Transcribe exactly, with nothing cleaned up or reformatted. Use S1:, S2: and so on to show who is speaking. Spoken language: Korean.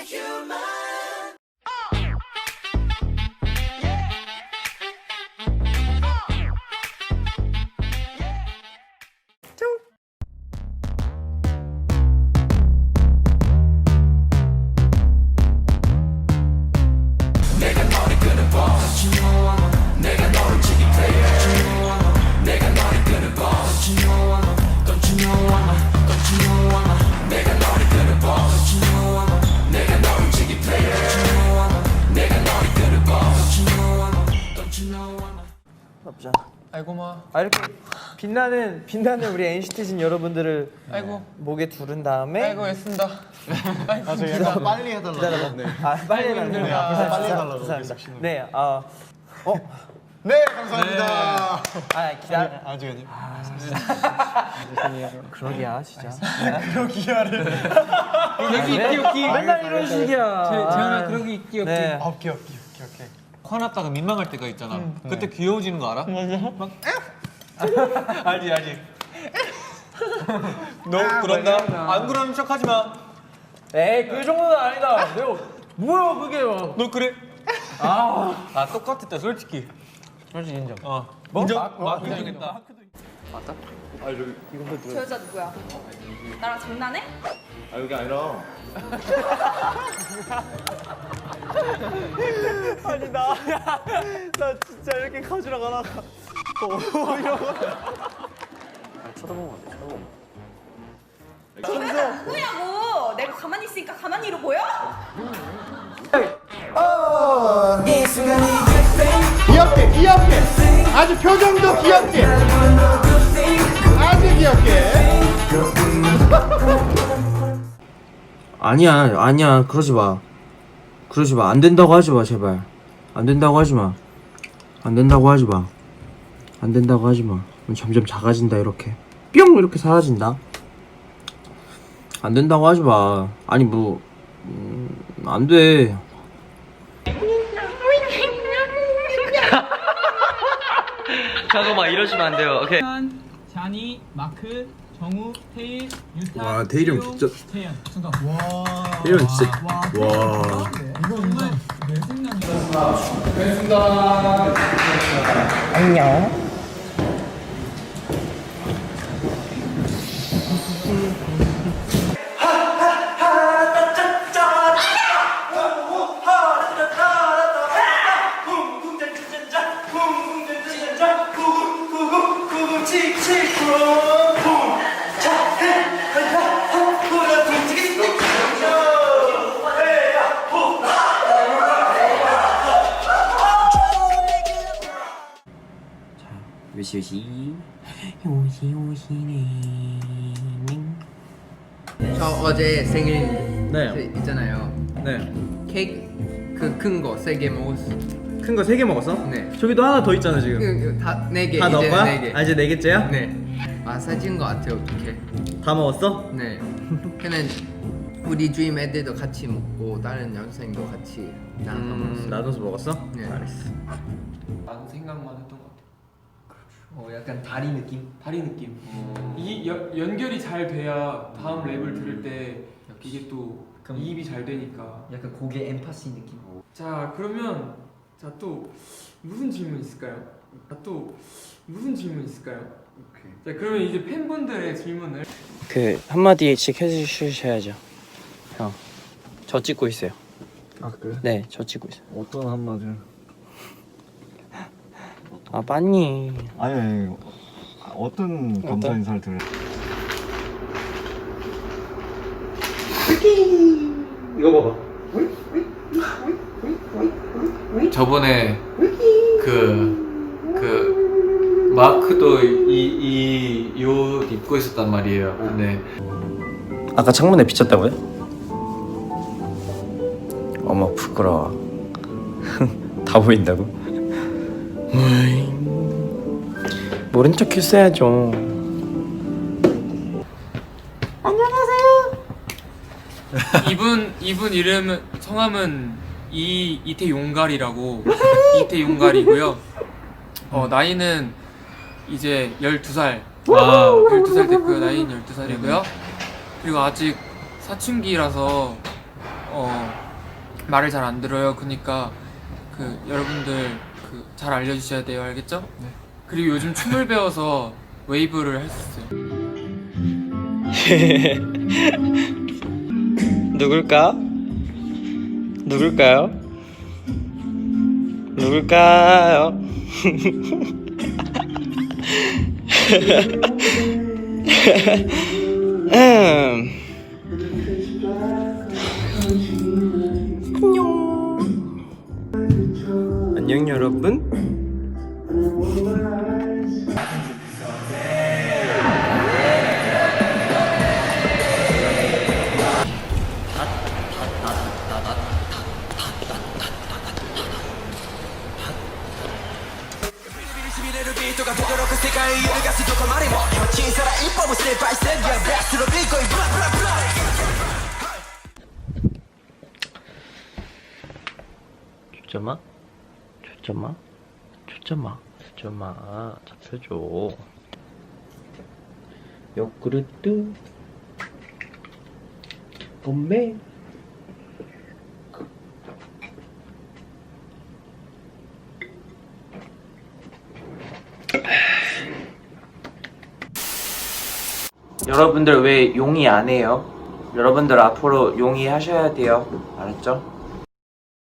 S1: 아이고마.
S2: 아 이렇게 빛나는 빛나는 우리 엔시티즌 여러분들을
S1: 아이고
S2: 목에 두른 다음에
S1: 아이고 애쓴다.
S3: 아 저 약간 빨리 해달라고.
S2: 기다려봐. 네. 아 빨리 해달라고.
S3: 네, 앞에서 빨리 해달라고.
S2: 네, 아 어.
S3: 네 감사합니다.
S2: 아 기다려.
S3: 아직 아니.
S2: 그러기야 진짜.
S3: 그러기야를.
S1: 그러기 있기 없기.
S2: 맨날 이런 식이야.
S1: 재현아 그러기 있기 없기.
S2: 네.
S3: 아 오케이 오케이 오케이 오케이.
S4: 화났다가 민망할 때가 있잖아.
S1: 음.
S4: 그때 귀여워지는 거 알아?
S1: 맞아.
S4: 막 알지 알지. 너 그런다? 안 그러는 척하지 마.
S2: 에이 그 정도는 아니다. 내가 뭐야 그게 막.
S4: 너 그래?
S2: 아,
S4: 아 똑같았다 솔직히.
S2: 솔직히 인정.
S4: 어.
S2: 뭐?
S4: 인정?
S2: 아,
S4: 마,
S2: 아,
S4: 인정했다.
S5: 저 여자 누구야? 나랑 장난해?
S3: 아 여기 아니라.
S2: 아니 나, 나 진짜 이렇게 가지러 가다가 어 이러고. 쳐다보면 안 돼. 쳐다보면.
S5: 왜 누구냐고? 내가 가만히 있으니까 가만히 이러 보여?
S3: 귀엽게 귀엽게. 아주 표정도 귀엽게. 아주 귀엽게.
S6: 아니야 아니야 그러지 마 그러지 마 안 된다고 하지 마 제발 안 된다고 하지 마안 된다고 하지 마안 된다고 하지 마 점점 작아진다 이렇게 뿅 이렇게 사라진다 안 된다고 하지 마 아니 뭐 음, 안 돼.
S7: 잠깐만 이러시면 안 돼요. 오케이.
S1: 잔이, 마크, 정우, 테일, 유타.
S6: 와, 테일이 형 진짜-
S1: 태연, 순간.
S6: 이런 진짜 와
S1: 정말 내 생각에.
S2: 안녕.
S6: 요시요시 요시요시네.
S8: 저 어제 생일
S6: 네.
S8: 있잖아요.
S6: 네.
S8: 케이크 그 큰 거 세 개 먹었어.
S6: 큰 거 세 개 먹었어?
S8: 네.
S6: 저기도 하나 더 있잖아 지금.
S8: 그다네 개.
S6: 다 넣을 거야?
S8: 네 개.
S6: 아 이제 네 개째야?
S8: 네. 아 사진 거 같아요. 어떻게?
S6: 다 먹었어?
S8: 네. 그는 우리 주임 애들도 같이 먹고 다른 연생도 같이 나눠
S6: 음,
S8: 먹었어.
S6: 나눠서 먹었어?
S8: 네.
S6: 알았어.
S1: 나도 생각만 했던 것 같아.
S7: 어 약간 다리 느낌?
S1: 다리 느낌. 이 연, 연결이 잘 돼야 다음 랩을 들을 때 이게 또
S7: 그럼-
S1: 이입이 잘 되니까.
S7: 약간 고개 엠파시 느낌?
S1: 자 그러면 자 또 무슨 질문 있을까요? 아, 또 무슨 질문 있을까요? 자 그러면 이제 팬분들의 질문을
S7: 그 한마디씩 해주셔야죠. 형, 저 찍고 있어요.
S3: 아 그래?
S7: 네, 저 찍고 있어요.
S3: 어떤 한마디를?
S7: 아 빠니.
S3: 아니 아니 어떤 감사 인사를 드려?
S6: 이거 봐봐.
S4: 저번에 그 그 마크도 이 이 옷 입고 있었단 말이에요. 근데
S7: 아까 창문에 비쳤다고요? 어머 부끄러워. 다 보인다고? 으이, 모른 척 했어야죠.
S1: 이분 이분 이름은 성함은 이 이태용갈이라고 이태용갈이고요. 어 나이는 이제 열두 살. 아 열두 살 됐고요. 나이는 열두 살이고요. 그리고 아직 사춘기라서 어 말을 잘 안 들어요. 그러니까 그 여러분들 그 잘 알려주셔야 돼요. 알겠죠? 네. 그리고 요즘 춤을 배워서 웨이브를 할 수 있어요.
S7: 누굴까? 누굴까요? 누굴까요? 음. 안녕. 안녕 여러분. 초점아? 초점아? 초점아? 초점아 잡혀줘. 요구르트 봄메 여러분들 왜 용이 안 해요? 여러분들 앞으로 용이 하셔야 돼요. 알았죠?